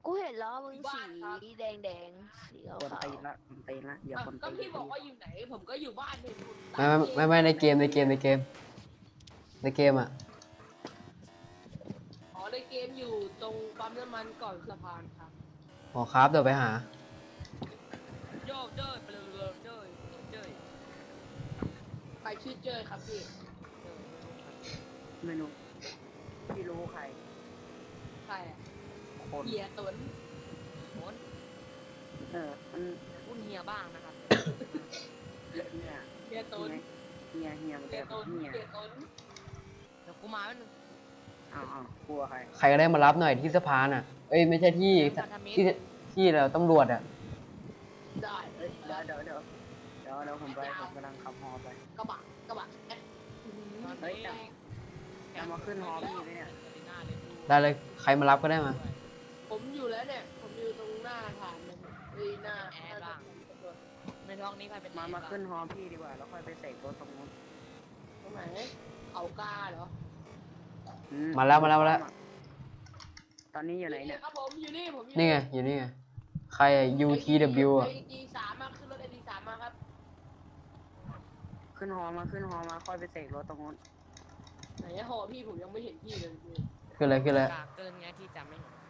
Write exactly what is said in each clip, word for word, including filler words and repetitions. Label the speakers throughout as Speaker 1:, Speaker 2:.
Speaker 1: กูเห็นล้อมึงสีแดงแดงสีขาว
Speaker 2: คนตีละคนตีละอย่าคน
Speaker 3: ก็
Speaker 2: ตี
Speaker 3: พี่บอกว่าอยู่ไหนผมก็อยู่บ้านเห็นคุณ
Speaker 4: ไม่ไม่ไม่ในเกมในเกมในเกมในเกมอ่ะ
Speaker 3: อ๋อในเกมอยู่ตรงปั๊มน้ำมันก่อนสะพานครับ
Speaker 4: หอครับเดี๋ยวไปหา
Speaker 3: โยกเจ้ยเปลือยเจ้ยเจ้ยใครชื่อเจ้ยครับพี่
Speaker 2: ไม่รู้พี่รู้ใคร
Speaker 3: ใครอ่ะ
Speaker 2: คน
Speaker 3: เฮียตุน
Speaker 2: เออมัน
Speaker 3: อุ้นเฮียบ้างนะครับ
Speaker 2: เนี่ย
Speaker 3: เฮียตุน
Speaker 2: เฮียเฮียมัน
Speaker 3: เฮี
Speaker 2: จะ
Speaker 3: ยตุน
Speaker 2: เฮีย
Speaker 3: เฮียตุนเดี๋ยวกูมาเป็น
Speaker 2: อ้าวอ้าวกลัวใคร
Speaker 4: ใครก็ได้มารับหน่อยที่สะพานอ่ะ เอ้ยไม่ใช่ที่ที่ที่เราตำรวจอ่ะ
Speaker 3: ได้
Speaker 2: เอ้ยเดี๋ยวเดี๋ยวเดี๋ยวเดี๋ยวเดี๋ยวผมไปผมกำลังขับฮอไป
Speaker 3: กระบะกระบะแอ๊ะ
Speaker 2: เฮ้ยจะจะมาขึ้นฮอพี่ไหมเนี่ย
Speaker 4: ได้เลยใครมารับก็ได้มา
Speaker 3: ผมอยู่แล้วเนี่ยผมอยู่ตรงหน้าฐานเลยเอ้ยหน้าแอร์บ้างในท้องนี้ใครเป็น
Speaker 2: มามาขึ้นฮอพี่ดีกว่าแล้วค่อยไปเสกรถตรงนู้น
Speaker 3: ตรงไหนเอากาเหรอ
Speaker 2: อื
Speaker 4: มาแล้วมาแล้วมาแล้ว
Speaker 2: ตอนนี้อยู่ไหนเนี่ย
Speaker 3: ครับผมอยู่นี่ผมอยู่
Speaker 4: นี่ไงอยู่นี่ไงใครอะ ยู ที ดับเบิลยู อ่ะ
Speaker 3: ไอดีสามมาขึ้นรถไอดีสามมาครับ
Speaker 2: ขึ้นฮอมาขึ้นฮอมาค่อยไปเสกรถตรงนู้น
Speaker 3: ไหนอะหอพี่ผมยังไม่เห็นพี่เลยพี่
Speaker 4: คืออะไรคืออะไร
Speaker 5: กากเกินไงที่จำไม่เห็น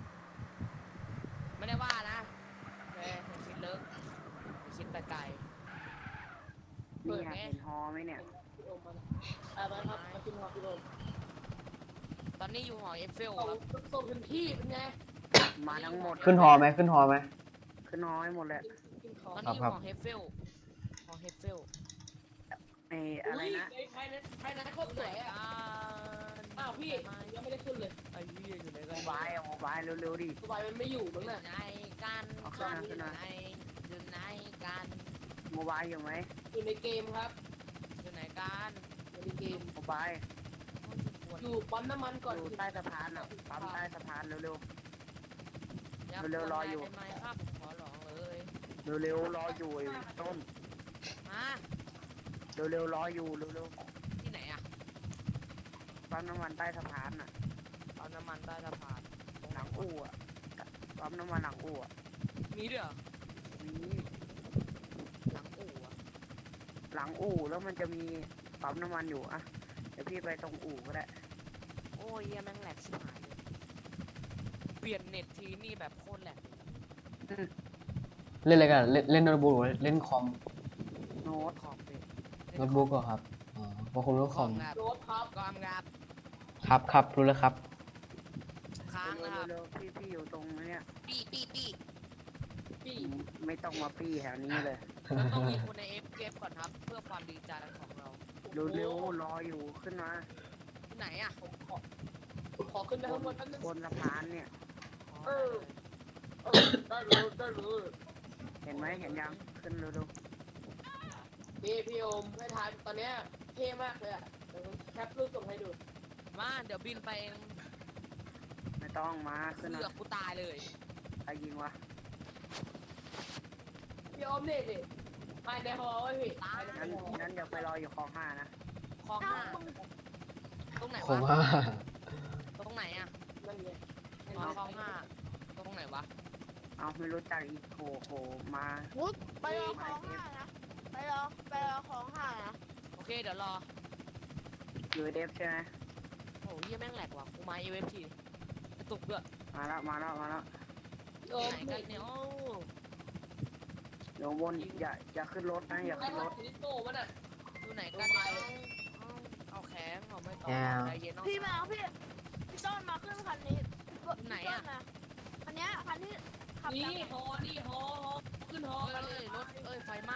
Speaker 5: ไม่ได้ว่านะเฮ้ยคิดเลิกคิดไปไกล
Speaker 2: นี่อยากเห็นฮอไหมเนี่ย
Speaker 3: พี่โอมมาเอาไปครับมาขึ้นหอพี่โอม
Speaker 5: ตอนนี้อยู่หอเอฟเฟล
Speaker 3: ส่ง
Speaker 5: ครับ
Speaker 3: ส่งถึงที่เป็นไง
Speaker 2: มาทั้งหมด
Speaker 4: ขึ้นหอไหมขึ้นหอไหม
Speaker 2: ขึ้นฮอให้หมดเลย
Speaker 3: ขึ้นขอ
Speaker 5: ตอนนี้อยู่
Speaker 4: ครับ
Speaker 5: หอเฮฟเฟลหอเฮฟเฟล
Speaker 2: ไอ้อะไรนะ
Speaker 3: ไอ้ใครนะใครนะโคตรสวยอ่ะ
Speaker 5: อ่า
Speaker 3: อ้าวพี่ยังไม่ได้ขึ้นเลย
Speaker 5: ไอ้เหี้ยอยู่ไหน
Speaker 2: โม
Speaker 5: กัน
Speaker 2: บายอะโมบายเร็วๆดิ
Speaker 3: สบายมันไม่อยู่มั้ง
Speaker 5: อยู่
Speaker 3: น่ะ
Speaker 5: ไหนกัน
Speaker 2: เอาขึ้นมาขึ้นมา
Speaker 5: ไหนอยู่ไหนกัน
Speaker 2: โมบายอยู่ไหม
Speaker 3: อยู่ในเกมครับ
Speaker 5: อยู่ไหนกัน
Speaker 3: อยู่ในเกม
Speaker 2: โมบาย
Speaker 3: อยู่ปั๊มน้ำมันก่อน
Speaker 2: อยู่ใต้สะพานอ่ะปั๊มใต้สะพานเร็ว
Speaker 5: เร็ว
Speaker 2: ๆรออยู่
Speaker 5: ได้ไหมครับผมขอร้องเลย
Speaker 2: ๆเร็วๆรออยู่ไอ้ต้น
Speaker 5: มา
Speaker 2: เร็วๆรออยู่เร็ว
Speaker 5: ที่ไหนอะ
Speaker 2: ๆปั๊มน้ำมันใต้สะพานอ่ะ
Speaker 5: เอาน้ำมันใต้สะพาน
Speaker 2: หลังอู่อ่ะปั๊มน้ำมันหลังอู่อ่ะ
Speaker 5: มีด้วยเหรอ
Speaker 2: มี
Speaker 5: หลังอู่อะ
Speaker 2: หลังอู่แล้วมันจะมีปั๊มน้ำมันอยู่อ่ะเดี๋ยวพี่ไปตรงอู่ก็ได้
Speaker 5: โอ้ยเหี้ยแม่งแหลกชิบหายเลยเปลี่ยนเน็ตทีนี่แบบโคตรแหลกเลย
Speaker 4: เล่นอะไรกันเล่นเล่นโน้ตบุ๊กหรือเล่นคอม
Speaker 2: โน้ต
Speaker 5: คอมเป็น
Speaker 4: โน้ตบุ๊กก็ครับอ๋อเพราะคุณรู้คอม
Speaker 5: ครับ
Speaker 3: โดบครับ
Speaker 5: กอมครับ
Speaker 4: ครับครับรู้แล้วครับ
Speaker 5: ค้างนะครับ
Speaker 2: เร็วๆพี่พี่อยู่ตรงเนี้ย
Speaker 5: ปี้ปี้ปี้
Speaker 3: พี่
Speaker 2: ไม่ต้องมาปี้แถวนี้เลย
Speaker 5: เราต้องมีคนในเอฟเกมก่อนครับ เพื่อความดีใจของเรา
Speaker 2: เร็วๆรออยู่ขึ้นมา
Speaker 5: ที่ไหนอ่ะ
Speaker 3: ผมขอผมขอขึ้นไปข้างบนแป๊บนึง
Speaker 2: บนสะพานเนี่ย
Speaker 3: เออ เออได้เลยได้เลย
Speaker 2: เห็นไหมเห็นยังขึ้นเร็ว
Speaker 3: พี่พี่โอมไม่ทันตอนเนี้ยเท่มากเลยอ่ะเดี๋ยวผมแคปรูปส่งให้ดู
Speaker 5: มาเดี๋ยวบินไปเอง
Speaker 2: ๆไม่ต้องมาขึ้น
Speaker 5: เสื
Speaker 2: มา
Speaker 5: อกกูตายเลย
Speaker 2: ใครยิงวะ
Speaker 3: พี่โอมนี่ดิภายในหอไว้พี่ภายใน
Speaker 2: งั้น
Speaker 3: หอ
Speaker 2: งั้นเดี๋ยวไปรออยู่คลองห้านะ
Speaker 5: คลองห้าตรงไหน
Speaker 4: ผม
Speaker 5: วะ
Speaker 4: ว่า
Speaker 5: ตรงไหนอ่ะ
Speaker 3: นั่นไง
Speaker 5: อ๋อคลองห้าตรงไหนวะ
Speaker 2: เอาไม่รู้จักอีกโหโหมา
Speaker 1: มุดไปรอของห้านะไปรอไปรอของห้านะ
Speaker 5: โอเคเดี๋ยวรอ
Speaker 2: อยู่เดฟใช่ไหม
Speaker 5: โอ้ยเหี้ยแม่งแหลกว่ะกูมาเอฟทีกระตุกด้วย
Speaker 2: มาแล้วมาแล้วมาแล้ว
Speaker 3: พี่โอม
Speaker 5: ไหนกันเนี่ยโอ้
Speaker 2: เดี๋ยวบนอย่าอย่าขึ้นรถนะอย่า
Speaker 3: ได้
Speaker 2: ขึ้น
Speaker 3: ร
Speaker 2: ร
Speaker 3: ถ
Speaker 2: ถ
Speaker 3: ถึงโต้มันอ่ะ
Speaker 5: อยู่ไหนกันเนี่ยเอาเอาแข็งเอาไม่ต่อใจเย็นน้อง
Speaker 1: พี่มาเอาพี่พี่ต้นมาขึ้นคันนี้
Speaker 5: ไหนอะ
Speaker 1: พี่ต้มาคันเนี้ยคันที่ขับ
Speaker 3: นี่
Speaker 1: ตาม
Speaker 3: หอนี่หอหอขึ้นหอ
Speaker 5: เอ้
Speaker 3: กันเลย
Speaker 5: ยรถเอ้ยไฟไหม้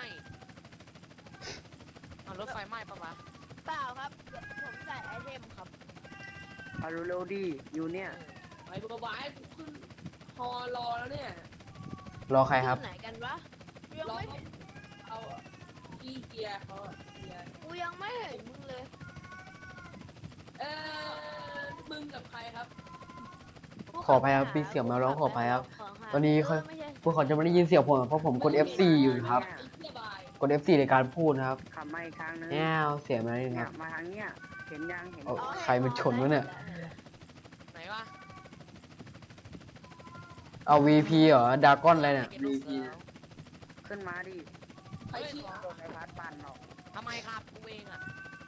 Speaker 5: เอารถไฟไหม้ปะวะ
Speaker 1: เปล่าครับเดี๋ยวผมใส่ไอเทมครับ
Speaker 2: เอาเร็วๆดิอยู่เนี่ย
Speaker 3: ไปบุกบายกูขึ้นหอรอแล้วเนี่ย
Speaker 4: รอใครครับ
Speaker 1: ที่ไหนกันวะกูยัง
Speaker 3: รอ
Speaker 1: ไม่เห็น
Speaker 3: เอาอีเกียร์เขาอะเกียร์
Speaker 1: กูยังไม่เห็นมึงเลย
Speaker 3: เออมึงกับใครครับ
Speaker 4: ขออภัยครับพี่เสี่ยวมาร้องขออภัยครับ
Speaker 1: ขหา
Speaker 4: ตอนนี้ค่อย
Speaker 1: เไม่ใช่
Speaker 4: พวกเขาจะไม่ได้ยินเสียงผมเพราะผมกด เอฟ ซี อยู่นะครับ
Speaker 3: ไอ้เกียร์บาย
Speaker 4: กด เอฟ ซี ในการพูดนะครับ
Speaker 2: ขับมาอีกทางนึง
Speaker 4: แง่เสียงอะไร
Speaker 2: เนี่
Speaker 4: นะค
Speaker 2: ย
Speaker 4: รับ
Speaker 2: มาทางเนี้ยเห็นยังเห็น
Speaker 4: เอา
Speaker 2: ยัง
Speaker 4: ใครมันชนวะเนี่ย
Speaker 5: ไหนวะ
Speaker 4: เอา วี พี เหรอดากอนอะไรเนี่ย
Speaker 5: เก็บลู
Speaker 4: วี
Speaker 5: ก
Speaker 4: พี
Speaker 5: เสือ
Speaker 2: ขึ้นมาดิ
Speaker 3: ใครชี้
Speaker 2: โดนไอ้พัดปั่นหรอก
Speaker 5: ทำไมครับกูเองอ่ะ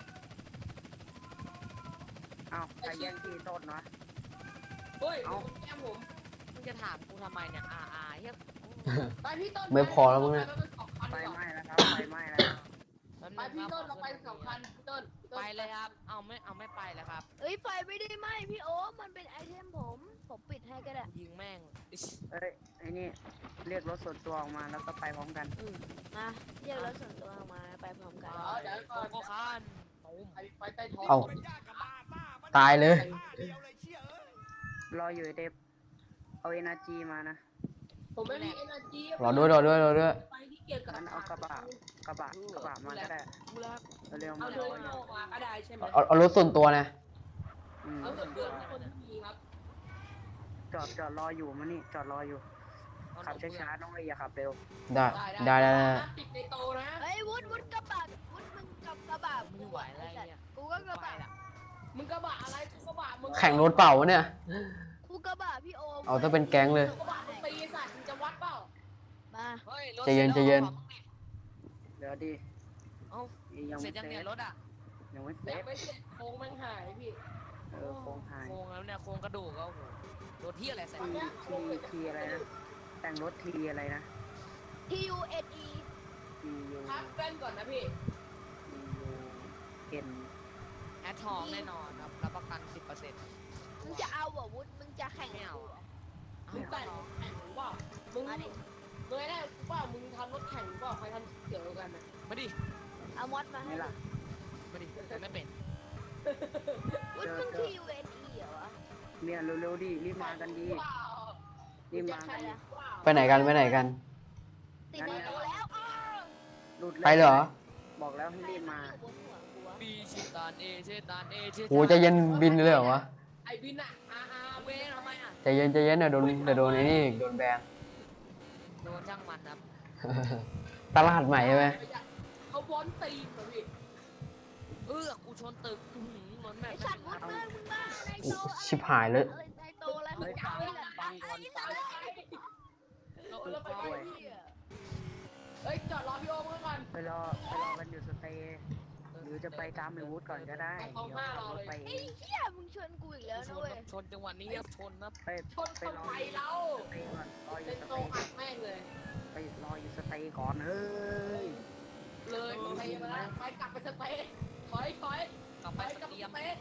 Speaker 2: เอ้าใครแย่งที่ต้นวะ
Speaker 3: เฮ้ย
Speaker 2: เอ้า
Speaker 3: แก้มผม
Speaker 5: มึงจะถามกูทำไมเนี่ยอ่าอ่าเฮีย
Speaker 3: ไปพี่ต้น
Speaker 4: ไม่พอแล้วมั้งเนี่ย
Speaker 2: ไฟไหม้แล้วครับไฟไหม้แล้ว
Speaker 5: แป๊บ
Speaker 3: ไป
Speaker 5: นึง
Speaker 3: พี่
Speaker 5: ครับ
Speaker 3: ต้น
Speaker 5: ข
Speaker 3: เรา
Speaker 5: อ
Speaker 3: ไป
Speaker 5: ขึ้น
Speaker 3: สองคันพี่ต้นพี่ต้น
Speaker 5: ไปเลยครับ เอาไม่เอาไม่ไปแล้วครับ
Speaker 1: เอ้ยไฟไม่ได้ไหมพี่โอ๊คมันเป็นไอเทมผม ผมปิดให้ก็ได้
Speaker 5: ยิงแม่งอิ๊ช
Speaker 2: เอ้ยไอ้นี่เรียกรถส่วนตัวออกมาแล้วก็ไปพร้อมกัน
Speaker 1: มาเรียกรถส่วนตัวออกมาไปพร้อมกัน
Speaker 3: อ๋อเดี๋ยวก่
Speaker 5: โก
Speaker 3: อน
Speaker 5: โก้คันตูม
Speaker 3: ไปไปใต้ท้อง
Speaker 4: เอา ตายเลย
Speaker 2: รออยู่ไอ้เดฟเอาเอเนจีมานะ
Speaker 3: ผมไม่มีเอเนจี
Speaker 4: รอด้วยรอด้วยรอด้วย
Speaker 3: ไปที่เกี่ยวกับ
Speaker 2: งั้นเอากระบะกระบะกระบะมาก็ได้
Speaker 5: กูแล้ว
Speaker 2: เร็วๆ
Speaker 3: เอา
Speaker 2: มา
Speaker 3: เดิ
Speaker 2: รอน อยู่
Speaker 3: เข้ามาก็ได้ใช่ไหม
Speaker 4: เอาเอารถส่วนตัวนะ
Speaker 2: อืม
Speaker 3: เอาส่วนเดือนให้คนที่มีครับ
Speaker 2: จอดจอดรออยู่มานี่จอดรออยู่ขับช้าๆน้องเลยอย่าขับเร็ว
Speaker 4: ได้ได้ได้ได้
Speaker 3: ติดในโตนะ
Speaker 1: เฮ้ยวุฒวุฒกระบะวุฒมึงกับกระบะ
Speaker 5: ไม่ไหวแล้วไอ้เนี่ย
Speaker 1: กูก็กระ
Speaker 5: ไป
Speaker 1: บะ
Speaker 5: ละ
Speaker 3: มึงกระบะอะไรกูกระบะมึง
Speaker 4: แข่งรถเปล่าวะเนี่ย
Speaker 1: กูกระบะพี่โอม
Speaker 4: เอาถ้าเป็นแก๊งเลย
Speaker 3: กระบะมึงตีสัตว์มึงจะวัดเปล่า
Speaker 1: มา
Speaker 5: เฮ้ยรถ
Speaker 4: ใจเย็นใจเย็น
Speaker 2: เดี๋ยวดิ
Speaker 5: เอ้า
Speaker 2: ยัง
Speaker 5: เสร็
Speaker 2: ไม่
Speaker 5: จยัง
Speaker 2: เส
Speaker 5: เนี่
Speaker 2: ร็
Speaker 5: ย
Speaker 2: จ
Speaker 5: รถอ่ะ
Speaker 2: ยังไม่เส
Speaker 3: แบ
Speaker 2: ร็
Speaker 3: บ
Speaker 2: จ
Speaker 3: ไม่เสร็จโค้งแม่งหายพี่
Speaker 2: เออโครงหาย
Speaker 5: โครงแล้วเนี่ยโครงกระดูกก็โอ้โหรถที่อะไรใส่
Speaker 2: ทีทีทีอะไรนะแต่งรถทีอะไรนะ
Speaker 1: ทียูเอ็นอี
Speaker 2: ทียู
Speaker 3: พักแว่นก่อนนะพี่
Speaker 2: ทียูเอ็น
Speaker 5: แอดทองแน่นอนครับรับประกันสิบเปอร์เซ็นต์
Speaker 1: มึงจะเอาเหรอวุฒมึงจะแข่ง
Speaker 5: ไม่เอา
Speaker 1: เหรอ
Speaker 3: มึงแต่งแข่งหรือเปล่ามึง
Speaker 1: มาดิ
Speaker 3: มึงไอ้เนี่ยเปล่ามึงทำรถแข่งหรือเปล่าใครทำเกี่ยวกันนะ
Speaker 5: มาดิ
Speaker 1: เอามอดมาให้
Speaker 2: นี่ล่ะ
Speaker 5: มาดิแต่ไม่เป็น
Speaker 1: วุฒมึงทียูเอ็นอีเหรอวะ
Speaker 2: เมียเร็วๆดิรีบมากันดี
Speaker 3: ว้าว
Speaker 2: รีบมากันดิ
Speaker 4: ไปไหนกันไปไหนกัน
Speaker 1: ติดในตัวแล้วอ้าว
Speaker 2: หลุด
Speaker 4: ไปเหรอ
Speaker 2: บอกแล้วให้รีบมา
Speaker 1: อยู่บนหัวกูวะ
Speaker 5: ปีชิตานเอเชตานเอเช
Speaker 4: โหใจะเย็นบินเลยเหรอวะ
Speaker 3: ไอ้บินอะอาอา
Speaker 5: เว
Speaker 3: เวน
Speaker 5: ทำไมอ่ะ
Speaker 4: ใจเย็นใจเย็นเดี๋ยวโดนเดี๋ยวโดนไอ้นี่อีกโดนแบน
Speaker 5: โดนช่างมันครับ
Speaker 4: ตลาดใหม่ใช่ไหม
Speaker 3: เขาบอลตีนเหรอพี่
Speaker 5: เออกูชนตึกอื้อหือเหมือนแม่
Speaker 1: ไอ้
Speaker 5: ง
Speaker 1: สัตว์วุฒมึงมึงมาในโตอะไร
Speaker 4: ชิบหายเลย
Speaker 1: อะไรในโตอะไรมึ
Speaker 2: เฮ้
Speaker 1: ง
Speaker 2: ย
Speaker 1: จะ
Speaker 2: ฟั
Speaker 1: เอา
Speaker 2: ง
Speaker 1: ไอ้สัตว์
Speaker 2: ฟัง
Speaker 1: ไอ้
Speaker 2: ก่อน
Speaker 1: สั
Speaker 2: ฟั
Speaker 1: ต
Speaker 2: ง
Speaker 1: ว์
Speaker 3: เราเราไป
Speaker 2: โอ้ย
Speaker 3: เฮ้ยจอดรอพี่โอมก่อน
Speaker 2: ไปรอไปรอกันอยู่สเตย์หรือจะไปตามไอ้วูดก่อนก็ได้
Speaker 3: เอา
Speaker 2: เดี๋ยว
Speaker 3: ห้า
Speaker 2: ขับ
Speaker 3: รอ
Speaker 2: รถ
Speaker 3: เลย
Speaker 2: ไปเอ
Speaker 1: ไอ้
Speaker 2: ง
Speaker 1: เหี้ยมึงชวนกูอีกแล้ว
Speaker 5: ช
Speaker 1: นะ
Speaker 5: น
Speaker 1: เว้ย
Speaker 5: ชนจังหวะนี้ชนนะ
Speaker 2: ไป
Speaker 3: ชน
Speaker 2: ไป
Speaker 3: คน
Speaker 2: รอ
Speaker 3: ไท
Speaker 2: อย ยู่
Speaker 3: เรา
Speaker 2: สเตย์ก่อนรออ
Speaker 3: เป็
Speaker 2: ยู่
Speaker 3: น
Speaker 2: ส
Speaker 3: โต
Speaker 2: เตย์
Speaker 3: อัดแม่งเลย
Speaker 2: ไปรออยู่สเตย์ก่อนเฮ้ย
Speaker 3: เลยไปมาแล้วไปกลับไปสเตย์ถอยถอย
Speaker 5: กลับ
Speaker 3: ไป
Speaker 5: ไป
Speaker 3: กลับ
Speaker 5: เต
Speaker 3: ไป
Speaker 5: รีย
Speaker 3: ส
Speaker 5: ม
Speaker 3: เตย์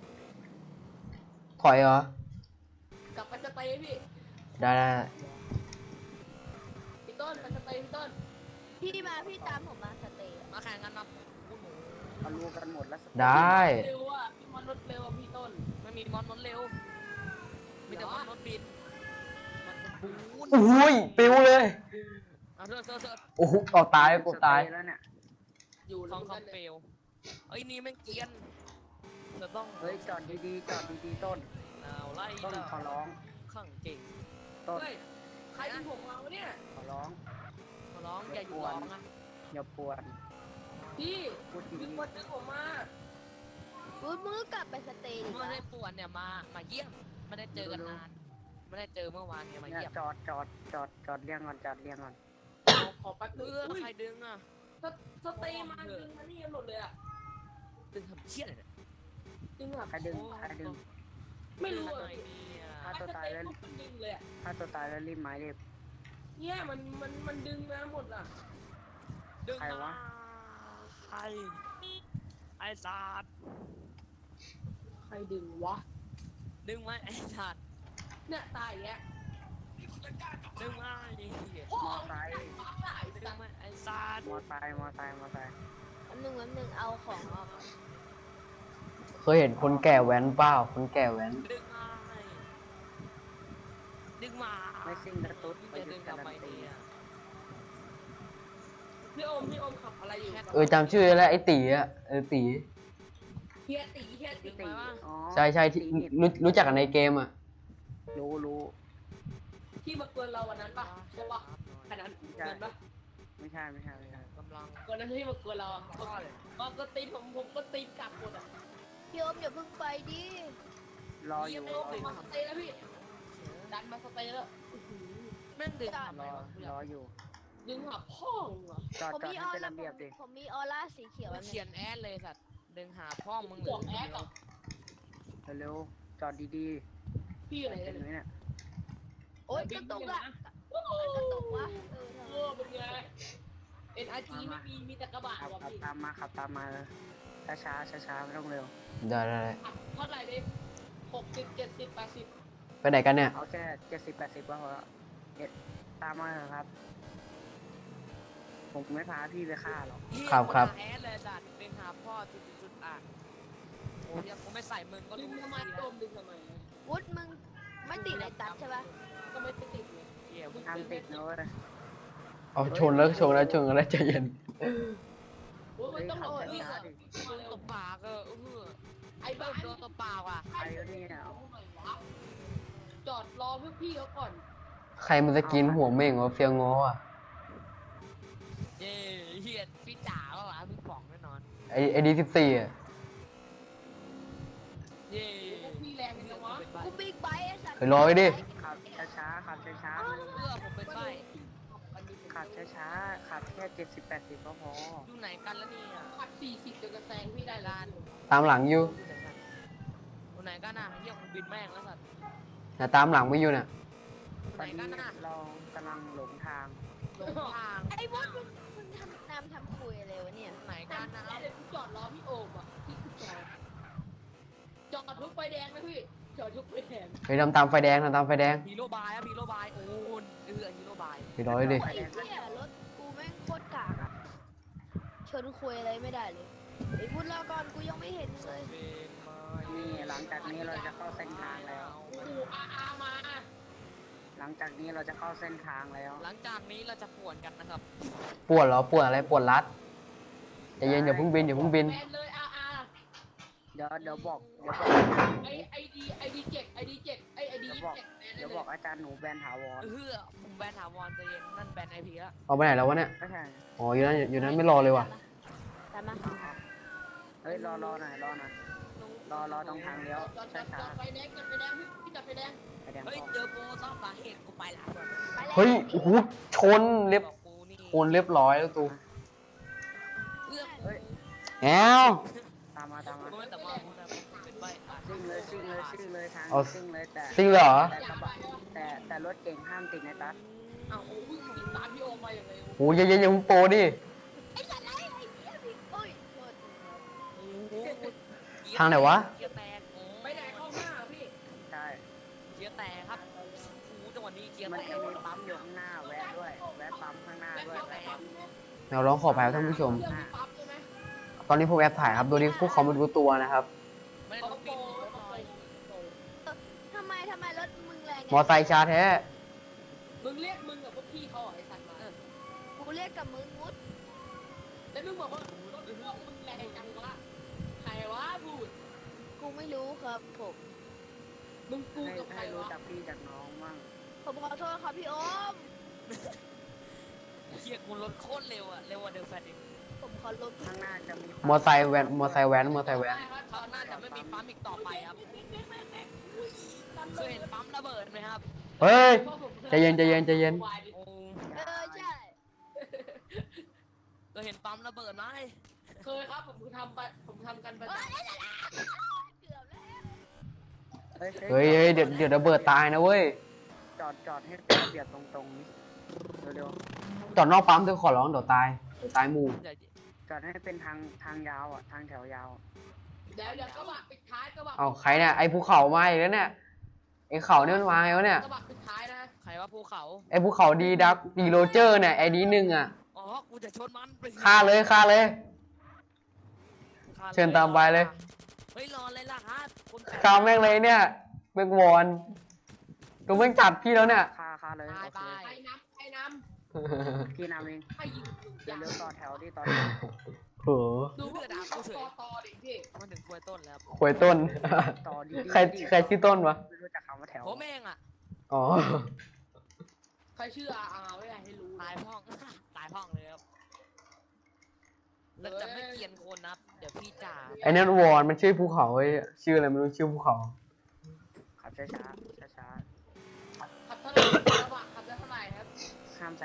Speaker 4: ถอยเหรอ
Speaker 3: กลับไปสเตย์พี่
Speaker 4: ได้ได้
Speaker 3: พี่ต้นไปสเตย์พี่ต้น
Speaker 1: พี่มาพี่ตามผมมาสเตย์อะ
Speaker 5: มาแข่งกันมาคุณหนู
Speaker 2: เอารู้กันหมดแล้วสเตย์
Speaker 4: ได้
Speaker 3: เร็วอ่ะพี่มันรถเร็วอ่ะพี่ต้น
Speaker 5: ไม่มีมอนรถเร็ว มีแต่มอนรถบิน มันปูน
Speaker 4: โอ้ยปิวเลย
Speaker 5: เอาเถอะเถอะเถอะ
Speaker 4: โอ้โหเอาตายกูตาย
Speaker 2: สเแล้วเนี่ย
Speaker 3: อยู่
Speaker 5: ท
Speaker 3: ล
Speaker 5: อง
Speaker 3: งกัน
Speaker 5: คำเปลวเอ้ยนี่แม่งเกรียนจะต้อง
Speaker 2: เฮ้ยจอดดีๆจอดดีๆต้น
Speaker 5: เอาไล่
Speaker 2: ต้น
Speaker 5: แล้ว
Speaker 2: ขอร้อง
Speaker 5: ข้างเก่ง
Speaker 2: ต้น
Speaker 3: เฮ้ยใครยิงผมมาวะเนี่ย
Speaker 2: ขอร้อง
Speaker 5: ขอร้องอย่าอยู่ร้องนะ
Speaker 2: อย่าปวด
Speaker 3: พี่
Speaker 2: พูด
Speaker 3: มี
Speaker 2: ดี
Speaker 3: คนดึงผมมา
Speaker 1: วุฒมึงก็กลับไปสเตย์ดิ
Speaker 5: เมื่อ
Speaker 1: วะ
Speaker 5: ได้ปวนเนี่ยมา มาเยี่ยม ไม่ได้เจอกันนาน ไม่ได้เจอเมื่อวานเนี่ย
Speaker 2: ๆ
Speaker 5: มา
Speaker 2: เนี่ย
Speaker 5: เยี่ยม
Speaker 2: จอดจอดจอดจอดเรียงก่อนจอดเรียงก่อน
Speaker 3: เอาขอแป๊บ
Speaker 5: เอ
Speaker 3: นึง
Speaker 5: อ
Speaker 3: อุ้ย
Speaker 5: ใครดึงอ่ะ
Speaker 3: สสเตย์มาดึงมานี่กันหมดเลยอ่ะ
Speaker 5: ดึงทำเชี่ยอะไรเนี่ย
Speaker 3: ดึงแบบ
Speaker 2: ใครดึงใครดึง
Speaker 3: ไม่รู้
Speaker 5: ดึง
Speaker 3: อะ
Speaker 5: หน่อยเนี่ย
Speaker 2: ฆ่าตัวตายแล้ว
Speaker 3: สเมันดึงเลยอ่ะ
Speaker 2: ถ้าตัวตายแล้วรีบไม้เรียบ
Speaker 3: เนี่ยมันมันมันดึงมาหมดอ่ะ
Speaker 5: ดึง
Speaker 2: ใครวะ
Speaker 5: ใครไอ้สัตว์
Speaker 3: ใครดึงวะ
Speaker 5: ดึงไว้ไอ้สัตว์
Speaker 3: เนี่ยตายอย่างเงี้ย
Speaker 5: ดึงไว้ไอ้เหี้ย
Speaker 3: โอ้
Speaker 2: มอไซค์
Speaker 3: ตาย
Speaker 5: ดึ
Speaker 3: สั
Speaker 5: ง
Speaker 3: ตว์
Speaker 5: ไว้ไอ้สัตว์
Speaker 2: มอไซค์มอไซค์มอไซค์
Speaker 1: แป๊บนึงแป๊บนึงเอาของออกก่อน
Speaker 4: เคยเห็นคนแก่แว้นเปล่าคนแก่แว้น
Speaker 5: ดึงไว้ดึงมา
Speaker 2: ไม่ซิ่งกระตุ้ดไป
Speaker 5: จะ
Speaker 2: ดึ
Speaker 5: ดึ
Speaker 2: ง
Speaker 5: ง
Speaker 2: การั
Speaker 5: ทำไม
Speaker 2: นตี
Speaker 5: เนี่ย
Speaker 3: พี่โอมพี่โอมขับอะไรอยู่
Speaker 4: เออจำชื่อได้แล้วไอ้ตีอะเออตี
Speaker 3: เฮียตีเฮียตี
Speaker 2: ตีอ๋อ
Speaker 4: ใช่ใช่ที่รู้รู้จักกันในเกมอะ
Speaker 2: รู้รู้
Speaker 3: ที่มาเกินเราวันนั้นปะใช่ปะขนาดนั้นเกินปะ
Speaker 2: ไม่ใช่ไม่ใช่ไม่ใช่
Speaker 5: กำลัง
Speaker 3: วันนั้นที่มาเกินเราอะก็ก็ก็ตีผมผมก็ตีกลับหมดอ่ะ
Speaker 1: พี่โอมอย่าเพิ่งไปดิ
Speaker 2: รออยู่
Speaker 3: พี่โอมมาสเตย์แล้วพี่ดันมาสเตย์แล้วอื้อหือ
Speaker 5: ม่งดึง
Speaker 1: จอด
Speaker 5: ทำไม
Speaker 2: รอ
Speaker 5: วะกูอ
Speaker 2: ร
Speaker 5: ยาก
Speaker 2: ออยู่
Speaker 3: ดึงหับพ่อมึงเหรอ
Speaker 2: จอด
Speaker 1: ผม
Speaker 2: จอด
Speaker 1: มีอ
Speaker 2: ให้
Speaker 1: อ
Speaker 2: เป็น
Speaker 1: ร่า
Speaker 2: ระเบียบดิ
Speaker 1: ผมมีออร่าสีเขียว
Speaker 5: กู
Speaker 1: อัน
Speaker 5: เขี
Speaker 1: นี้
Speaker 5: ยนแอดเลยสัตว์ดึงหาพ่อมึงเล
Speaker 3: จอย ดแอดเหรอ
Speaker 2: เร็วๆจอดดี
Speaker 3: พี่
Speaker 2: ๆ
Speaker 3: อะไร
Speaker 2: เห็นไหม
Speaker 3: เนี่ย
Speaker 2: เนี่ย
Speaker 1: โอ๊ยกระตุกอะ
Speaker 3: โอ้โห
Speaker 1: กระตุกวะเออ
Speaker 3: เออเป็นไง เอ็น อาร์ จี ไม่มี มีแต่กระบะ
Speaker 2: ขับ
Speaker 3: ว่ะ
Speaker 2: ขับ
Speaker 3: พี่
Speaker 2: ตามมาขับตามมาเลยช้าช้าช้าช้าๆไม่ต้องเร็ว
Speaker 4: ได้ได้ได้
Speaker 3: อ่ะเท่าไหร่ดิหกสิบเจ็ดสิบแปดสิบ
Speaker 4: ไปไหนกันเนี่ย
Speaker 2: เอาแค่เจ็ดสิบแปดสิบก็พอแล้วเอ็ดตามมาเถอะครับ ผมไม่พาพี่ไปฆ่าหรอก
Speaker 5: เหี้ย
Speaker 4: ครับครับ
Speaker 5: กูหาแอดเลยสัตว์ดึงหาพ่อจุดจุดจุดอ่ะโอ้ยยังกูไม่ใส่มึงก็
Speaker 3: ดึ
Speaker 5: รู้
Speaker 3: งทำไม
Speaker 5: ดี
Speaker 3: โด
Speaker 5: แล้ว
Speaker 3: มดึงทำไม
Speaker 1: วุฒมึงไม่ติดไอ้ตัดใช่ปะ
Speaker 3: ก็ไม่ติดเลย
Speaker 5: เหี้ย
Speaker 2: ทางติดนะเว้ย
Speaker 4: เอาชนแล้วชนแล้วชนแล้วใจเย็น
Speaker 3: โอ้ยมันต้องรอ
Speaker 2: เฮ้ย
Speaker 3: พี่
Speaker 2: ขับ
Speaker 3: เหรอ
Speaker 2: ช้าๆดิ
Speaker 5: มึงตบปากเออเออ
Speaker 3: ไอ้
Speaker 5: โด
Speaker 3: บ้าน
Speaker 5: โดนตบปากว่ะ
Speaker 2: ใครวะเนี่ย
Speaker 3: จอดรอพวกพี่เขาก่อน
Speaker 4: ใครมันจะกินหัวเม่งวะเฟียงงออ่ะ
Speaker 5: เย้เฮียพี่จ๋าว่ะวะพี่ป๋องแน่นอน
Speaker 4: ไอไอดีสิบสี่อ่ะ
Speaker 5: เย้
Speaker 3: พวกพี่แรงจังวะ
Speaker 5: เป็นใบ
Speaker 1: กูบิ๊กไบค์ไอ้สัตว์
Speaker 4: เฮ้ยรอไว้ดิ
Speaker 2: ขับช้าช้าๆขับช้าช้าๆ
Speaker 5: เพื่อผมเป็นใบ
Speaker 2: ขับช้าช้าๆขับแค่เจ็ดสิบแปดสิบก็พอ
Speaker 5: อยู่ไหนกันแล้วเนี่ย
Speaker 3: ขับสี่สิบจะกระแซงพี่ได้ล้าน
Speaker 4: ตามหลังอยู่
Speaker 5: อยู่ไหนกันน่ะเฮียคุณบินแม่งแล้วสัตว์
Speaker 4: นะตามหลังไม่อยู่น่ะ
Speaker 5: อยู่
Speaker 2: ต
Speaker 5: ไห
Speaker 2: อน น
Speaker 5: กั
Speaker 2: นี้
Speaker 5: นน่ะ
Speaker 2: เรากำลังหลงทาง
Speaker 5: หลงทาง
Speaker 1: ไอ้วุฒมึงมึงทำนำทำคุยอะไรวะเนี่ย
Speaker 5: ไหนกันนะ
Speaker 3: เดี๋ยวกูจอดรอพี่โอ่งอ่ะที่กูจอดจอดทุกไฟแดงนะพี่จอดทุกไฟแดง
Speaker 4: เฮ้ยทำตามไฟแดงทำตามไฟแดง
Speaker 5: ฮีโร่บายครับฮีโร่บายโอ้ยเออฮีโร่บาย
Speaker 4: ไปรอไว้ดิ
Speaker 1: ไอ้เหี้ยรถกูแม่งโคตรกากอะชนคุยอะไรไม่ได้เลยไอ้วุฒรอก่อนกูยังไม่เห็นเลย
Speaker 5: เป็นไม้
Speaker 2: นี่หลังจากนี้เราจะเข้าเส้นทางแล้ว
Speaker 3: โอ้โหอาอามา
Speaker 2: หลังจากนี้เราจะเข้าเส้นทางแล้ว
Speaker 5: หลังจากนี้เราจะป่วนกันนะครับ
Speaker 4: ปวดเหรอปวดอะไรปวดรัดใจเย็นอย่าเพิ่งบินอย่าเพิ่งบิน
Speaker 3: แบนเลยอาอา
Speaker 2: เดี๋ยวเดี๋ยวบอกเดี๋ยวบอก
Speaker 3: ไอไอดีไอดีเจ็ดไอดีเจ็ดไอไอดียี่สิบเจ็ดแบน
Speaker 2: เดี๋ยว
Speaker 3: เล
Speaker 2: บอกอาจารย์หนูแบนถาวร
Speaker 5: เออผมแบนถาวรใจเย็นนั่นแบนไอพีละ
Speaker 4: เอาไปไหนแล้ววะเนี่ย
Speaker 2: ไม่ใช่
Speaker 4: อ๋ออยู่นั่นอยู่นั่นไม่รอเลยว่ะ
Speaker 1: ตามมา
Speaker 2: เฮ้ยรอรอหน่อยรอหน่อยรอรอตรงทางเลี้ยว
Speaker 3: จอดจ
Speaker 2: ช้า
Speaker 3: อดจ
Speaker 2: ช้า
Speaker 3: อดไฟแดงจอดไฟแดงพี่พี่จอดไฟแดง
Speaker 2: ๆไปแดง
Speaker 5: เฮ้ย
Speaker 2: พอ
Speaker 5: เจอโปรซ่อมสาเหตุกูไปละ
Speaker 1: ไปแล้ว
Speaker 4: เฮ้ยโอ้โหชนเรียบ
Speaker 5: บอกกูนี่
Speaker 4: ชนเรียบร้อยแล้วตู
Speaker 5: เลือก
Speaker 2: เฮ้ย
Speaker 4: แอว
Speaker 2: ตามมาตามมา
Speaker 5: กูไม่แต่ว่ากูนะผมเป็นใบอ่ะ
Speaker 2: ซิ่งเลยซิ่งเลยซิ่งเลยทาง
Speaker 4: เอา
Speaker 2: ซิ่งเลยแต่
Speaker 4: จริงเหรอ
Speaker 2: แต่กระบะแต่แต่รถเก่งห้ามติดในตัด
Speaker 3: อ้าวโอ้วิ่งติดตามพี่โอมาอย่างไร
Speaker 4: โอ้ยอย่าอย่าอย่ามึงโปรดิ
Speaker 1: ไอ้สัตว์ไรไอ้เหี้ยบิ๊กโอ้ยโทษ
Speaker 5: โอ้โห
Speaker 4: ทางไหนวะ
Speaker 5: เกียร์แตกโอ้
Speaker 3: ไปไหนเข้าหน้าพี่
Speaker 2: ใช่
Speaker 5: เกียร์แตกครับโอ้โหจังหวะนี้เกียร์
Speaker 2: มัน
Speaker 5: แต
Speaker 2: จะ
Speaker 5: ก
Speaker 2: มีปั๊มอยู่ข้างหน้าแวะด้วยแวะปั๊มข้างหน้าด้วย
Speaker 4: เราร้องขอแพ้ท่านผู้ชม
Speaker 3: เรื่องมีปั๊บใช่ไหม
Speaker 4: ตอนนี้ผมแอบถ่ายครับ โดยที่พวกเขาไม่รู้ตัวนะครับ
Speaker 5: ไม่ได้
Speaker 3: เขา
Speaker 5: ต้อง
Speaker 3: โป
Speaker 5: บิน
Speaker 3: เขาโป
Speaker 1: ทำไมทำไมรถมึงแรงไง
Speaker 4: มอไซค์ชาแท้
Speaker 3: มึงเรียกมึงกับพวกพี่เขาไอ้สัตว์มา
Speaker 1: กูเรียกกับมึงวุฒ
Speaker 3: แล้วมึงบอกว่ารถพวกมึงแรงจังวะใครวะพูด
Speaker 1: กูไม่รู้ครับผม
Speaker 3: มึงกู
Speaker 2: ให้
Speaker 3: กับใคร
Speaker 2: ให้รู้
Speaker 3: วะ
Speaker 2: จักพี่จากน้องมั่ง
Speaker 1: ผมขอโทษครับพี่โอม
Speaker 5: เกียร์กูรถโคตรเร็วอะเร็วกว่าเดลแฟนอีก
Speaker 1: ผมขอลด
Speaker 2: ข้างหน้าจะมี
Speaker 4: มอไซค์แวนมอไซค์แวนมอไซค์แวน
Speaker 5: เขาน่าจะไม่มีปั๊มอีกต่อไปครับเคยเห็นปั๊มระเบิดไหมครับ
Speaker 4: เฮ้ย ใจเย็นใจเย็นใจเย็น
Speaker 5: โอ้
Speaker 1: เออใช่
Speaker 5: เคยเห็นปั๊มระเบิดไหม
Speaker 3: เคยครับผมทำไปผมทำกันประ
Speaker 1: เอ้
Speaker 3: จ
Speaker 1: ยเกือบแล้ว
Speaker 2: เฮ้ย
Speaker 4: เฮ้ยเฮ้ยเดี๋ยวเดี๋ยวระเบิดตายนะเว้ย
Speaker 2: จอดจอดให้เป็นระเบียบตรงๆนี้เร็ว
Speaker 4: จอดนอกปั๊มเธอขอร้องเดี๋ยวตายเดี๋ยวตายหมู่
Speaker 5: อย่า
Speaker 2: ๆจอดให้เป็นทางทางยาวอ่ะทางแถวยาว
Speaker 3: ำเดี๋ยวเดี๋ยวกระบะปิดท้ายกระบะ
Speaker 4: เอาใครเนี่ยไอ้ภูเขามาอีกแล้วเนี่ยไอ้เขาเนี่ยมันมาไงวะเนี่ย
Speaker 3: กระบะปิดท้ายนะ
Speaker 5: ใครว่าภูเขา
Speaker 4: ไอ้ภูเขาดีดักดีโรเจอร์เนี่ยไอ้ดีหนึ่งอ่ะ
Speaker 5: อ๋อ กูจะชนมันไป
Speaker 4: ฆ่าเลยฆ่าเลย
Speaker 5: ฆ่ลย
Speaker 4: เชิญตามไปเลย
Speaker 5: เฮ้ยรอเลยล่ะครับคน
Speaker 4: ฆ่าแม่งเลยเนี่ยแม่งวอนดูแม่งจัดพี่แล้วเนี่ย
Speaker 2: คาคาเลย
Speaker 5: ตาย
Speaker 2: โอเค
Speaker 5: ตาย
Speaker 3: ไอ้น้ำไอ้น้
Speaker 2: พี่นำเอง
Speaker 3: ำไอ้ยิง
Speaker 2: เร็วๆต่อแถวที่ต่อ
Speaker 4: โห
Speaker 3: ดูพวกด่ากูต่อต่อดิพี่
Speaker 5: มันถึงควยต้นแล้ว
Speaker 4: ควยต้น
Speaker 2: ต่อดีๆ
Speaker 4: ใครใครชื่อต้นวะ
Speaker 2: ไม่รู้จักคำว่าแถว
Speaker 5: ผมเองอ่ะ
Speaker 4: อ๋อ
Speaker 3: ใครชื่ออาอาไม่ได้ให้รู้
Speaker 5: ตายพ่อง ตายพ่องเลยครับแล้วจะไม่เกลียนคนนะเดี๋ยวพี่จ่า
Speaker 4: ไอ้นั่นวอนมันชื่อภูเขาไอ้ยชื่ออะไรไม่รู้ชื่อภูเขา
Speaker 2: ขับช้าๆช้า
Speaker 3: ขับเท่าไหร่กระบะขับได้เท่าไหร่ครับ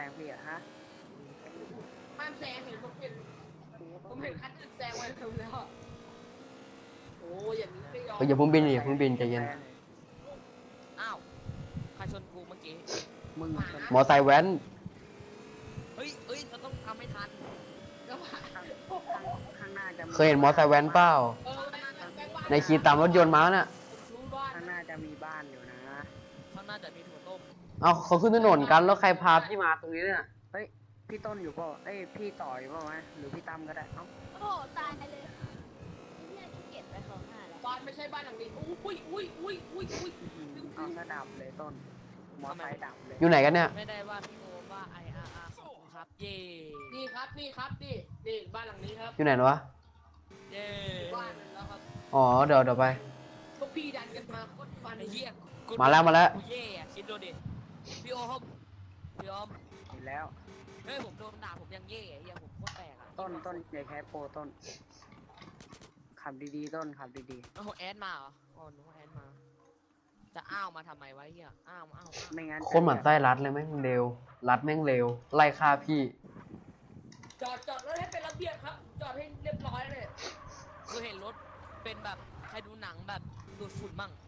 Speaker 2: งพี่อะฮะ
Speaker 3: ห้ามแซงเห็นผมเห็นผมเห็นคันอื่นแซงไว้เร็วแล้วอะโอ้ยอย่างนี้ไม่ยอม
Speaker 4: เฮ้ยอย่าเพิ่งบินอย่าเพิ่งบินใจเย็น
Speaker 5: อ้าวใครชนกูเมื่อกี้
Speaker 2: มึง
Speaker 4: มอไซค์แว้น
Speaker 5: เฮ้ยเฮ้ยเราต้องทำให้ทัน
Speaker 3: ก็ว่า
Speaker 2: ข้างข้างหน้าจะ
Speaker 4: เคยเห็นมอไซค์แว้นเปล่า
Speaker 3: เออแม่งแม่งบ้า
Speaker 4: ในขี่ตามรถยนต์มาน่ะ
Speaker 3: ผมรู้บ้าน
Speaker 2: ข้างหน้าจะมีบ้านอยู่นะ
Speaker 5: ข้างหน้าจะมีถั่วต้ม
Speaker 4: เอาเขาขึ้นถนนกันแล้วใครพาพี่มาตรงนี้เนี่ย
Speaker 2: เฮ้ยพี่ต้นอยู่เปล่าเอ้ยพี่ต่ออยู่เปล่าวะหรือพี่ตั้มก็ได้เอ้า
Speaker 1: โอ้โหตายเลยไอ้เนี่ยขี้เกียจไปของหน้าแล้ว
Speaker 3: บ้านไม่ใช่บ้านหลังนี้อุ้ยอุ้ยอุ้ยอุ้ยอุ้ย
Speaker 2: อื้อหือเอาซะดับเลยต้นมอไซค์ดับเลย
Speaker 4: อยู่ไหนกันเนี่ย
Speaker 5: ไม่ได้ว่าพี่โอมว่า ไอ อาร์ อาร์ ขอบคุณครับ เย่
Speaker 3: นี่ครับนี่ครับนี่นี่บ้านหลังนี้ครับ
Speaker 4: อยู่ไหนวะ
Speaker 5: เย่
Speaker 3: บ้านแล้วครับ
Speaker 4: อ๋อเดี๋ยวเดี๋ยวไป
Speaker 3: พวกพี่ดันกันมาโคตรฟัน
Speaker 5: ไอ้เหี้ยกู
Speaker 4: มาแล้วมาแล้ว
Speaker 5: กูเย่อะคิดดูดิพี่โอมพี่โอม
Speaker 2: เห็นแล้ว
Speaker 5: เฮ้ยผมโดนด่าผมยังเย่อะเฮียผมโคตรแปลกอะ
Speaker 2: ต้นต้นอย่าแคสโปรต้นขับดีๆต้นขับดี
Speaker 5: โอ้โหแอดมาเหรออ๋อหนูแอดมา จะอ้าวมาทำไมวะเฮียอ้าวอ้าวอ้าว
Speaker 2: ๆไม่งั้น
Speaker 4: คนหมั่นไส้รัดเลยแม่งเร็ว รัดแม่งเร็ว ไล่ฆ่าพี่
Speaker 3: จอดจอดรถให้เป็นระเบียบครับ จอดให้เรียบร้อยเลย
Speaker 5: คือเห็นรถเป็นแบบใครดูหนังแบบดูดฝุ่นมั่ง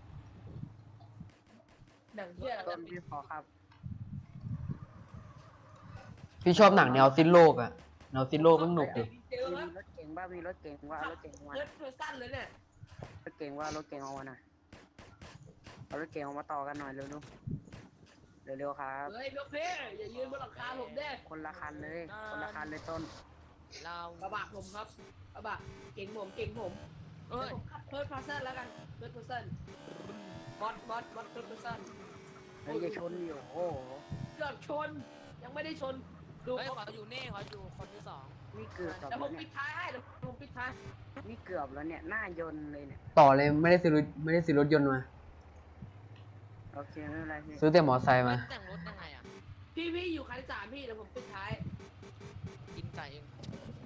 Speaker 3: หนังเที่ยอะไร
Speaker 2: ต้นพี่ขอครับ
Speaker 4: พี่ชอบหนังแนวสิ้นโลกอะแนวสิ้นโลกมันหนุกดิ
Speaker 3: เจอ
Speaker 2: มี
Speaker 3: ครับ
Speaker 2: รถเก๋งบ้ามีรถเก๋งว่าเอารถเก๋งมา
Speaker 3: เลือดตัวสั้นเลยเนี่ย
Speaker 2: รถเก๋งว่ารถเก๋งเอามาหน่อยเอารถเก๋งออกมาต่อกันหน่อยเร็วๆเร็วๆครับ
Speaker 3: เฮ้ยลูกพี่อย่ายืนบนหลังคาผมเด้
Speaker 2: คนละคันเลย คนละคันเลยต้น
Speaker 5: เรา
Speaker 3: กระบะผมครับกระบะเก่งผมเก่งผม
Speaker 5: เอ้ย
Speaker 3: ผมขับเพิร์ดพาร์เซนแล้วกันเพิร์ดพาร์เซนบอสบอสบอสเพิร์ดพาร์เซน
Speaker 2: เฮ้ยจะชนอยู่โอ้โห
Speaker 3: เกือบชนยังไม่ได้ชนดู
Speaker 5: เฮ้ยขออยู่นี่ขออยู่คนที่สอง
Speaker 2: นี่เกือบ
Speaker 3: เดี๋ยวผ
Speaker 2: แล้ว
Speaker 3: ม
Speaker 2: เนี่
Speaker 3: ปิ
Speaker 2: ย
Speaker 3: ดท้ายให้เดี๋ยวผมปิดท้าย
Speaker 2: นี่เกือบแล้วเนี่ยหน้ายนต์เลยเนี่ย
Speaker 4: ต่อเลยไม่ได้ซื้อรถไม่ได้ซื้อรถยนต์มา
Speaker 2: โอเคไม่เป็นไรพี่
Speaker 4: ซื้อแต่มอไซค์มา
Speaker 5: แต่งรถยังไงอ่ะ
Speaker 3: พี่พี่อยู่คันที่สามพี่เดี๋ยวผมปิดท้าย
Speaker 5: กินไก่เอง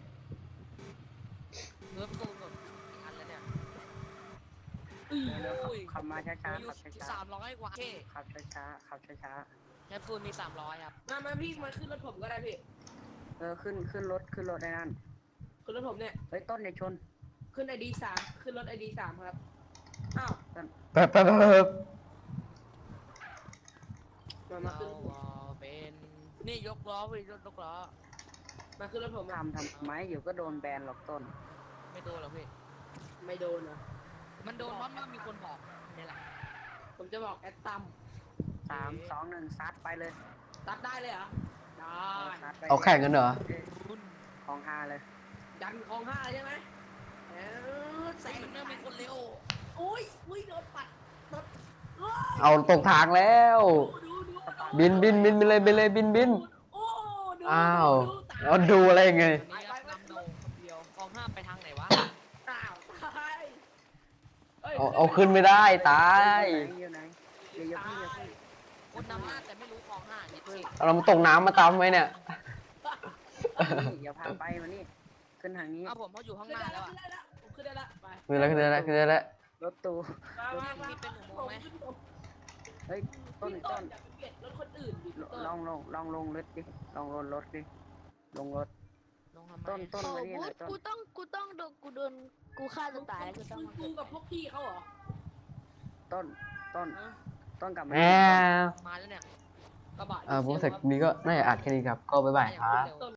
Speaker 5: เนื้อตูนแบบอีกอันแล้วเนี่ย
Speaker 2: เร็วๆขับ
Speaker 5: อุ้ย
Speaker 2: ขับมาช้า
Speaker 5: มี
Speaker 2: ๆ
Speaker 5: อ
Speaker 2: ขั
Speaker 5: ยู่
Speaker 2: บช้า
Speaker 5: สามร้อยกว่าเค
Speaker 2: ๆขับช้าๆขับช้า
Speaker 5: แคปซูลมีสามร้อยครับ
Speaker 3: มามาพี่มาขึ้นรถผมก็ได้พี่
Speaker 2: ๆเออขึ้นขึ้นรถขึ้นรถได้นั่น
Speaker 3: ขึ้นรถผมเนี่ย
Speaker 2: เฮ้ยต้นอย่าชน
Speaker 3: ขึ้นไอดีสามขึ้นรถไอดีสามครับอ้าว
Speaker 4: แป๊บแป๊บแป๊บแป๊บ
Speaker 3: มามา
Speaker 5: เรา
Speaker 3: ขึ้น
Speaker 5: เป็นนี่ยกล้อไปยกยกล้อ
Speaker 3: มาขึ้นรถผมอะ
Speaker 2: ทำทำไมอยู่ก็โดนแบนหรอกต้น
Speaker 5: ไม่โดนหรอกพี่
Speaker 3: ไม่โดนนะ
Speaker 5: มันโดนเพราะมันมีคนบอกนี่แหละ
Speaker 3: ผมจะบอกแอดตัม
Speaker 2: สามสองหนึ่งซัดไปเลย
Speaker 3: ตัดได้เลยเหรอได้
Speaker 2: ซัดไป
Speaker 4: เอาแข่งกันเหรอ
Speaker 2: ของฮาเลย
Speaker 3: ดันคลองห้าเลยใช่ไหมเออแส
Speaker 5: ใส่
Speaker 3: ง
Speaker 5: มันเริ่มมีคนเร็ว
Speaker 3: อุ้ยอุ้ยโดนปัดรถโอ้ย
Speaker 4: เอาตกทางแล้ว
Speaker 3: ดูดูดู
Speaker 4: บินบินบินไปเลยไปเลยบินบิน
Speaker 3: โอ้ดู
Speaker 4: อ้าว
Speaker 3: ดูตาย
Speaker 4: แล้วดูอะไรไง
Speaker 5: อันนี้ครับนำโดงคนเดียวกองห้าไปทางไหนวะ
Speaker 3: อ้าวตายอ้ย
Speaker 4: เอาเอาขึ้นไม่ได้ตาย
Speaker 2: อยู่ไหนอยู่ไหนเดี๋ยวพี่อย่าพี่
Speaker 5: คนนำหน้าแต่ไม่รู้กองห้าเนี่ยสิ
Speaker 4: เอาเรามาตกน้ำมาตามไว้เนี่ย
Speaker 2: นี่อย่าพาไปมานี่ขึ้นทางนี้
Speaker 5: เอาผมเขาอยู่ข้างหน้าแล้วอ่ะ
Speaker 3: ขึ้นได้แล้วผมขึ้นได้แล้วไป
Speaker 4: คืออะไรคืออะไรคืออะไร
Speaker 2: รถตู้
Speaker 3: มามามา
Speaker 5: มีเป็นอุโมงค์ไหม
Speaker 2: เฮ้ยต้น
Speaker 3: พี่
Speaker 2: ต้น
Speaker 3: อย่าไปเบียดรถคนอื่นดิพี่ต้น
Speaker 2: ลองลงลองลงรถดิลองลงรถดิลงรถ
Speaker 5: ลงทำไม
Speaker 2: ต้นต้น
Speaker 1: โอ้
Speaker 2: มานี่
Speaker 1: บู
Speaker 2: หน่
Speaker 1: ธ
Speaker 2: อยต้น
Speaker 1: กูต้องกูต้องโดนกูโดนกูฆ่าตัวตายแล้วกูต้อง
Speaker 3: มึงกูกับพวกพี่เขาเหรอ
Speaker 2: ต้นต้น
Speaker 3: ฮะ
Speaker 2: ต้นกลับมา
Speaker 4: แหม
Speaker 2: นี่ต้น
Speaker 5: มาแล้วเนี่ย
Speaker 3: กระบะ
Speaker 4: อ่าผมเสร็จนี้ก็น่าจะอัดแค่นี้ครับ ก็บ๊ายบายครับ
Speaker 3: ต้น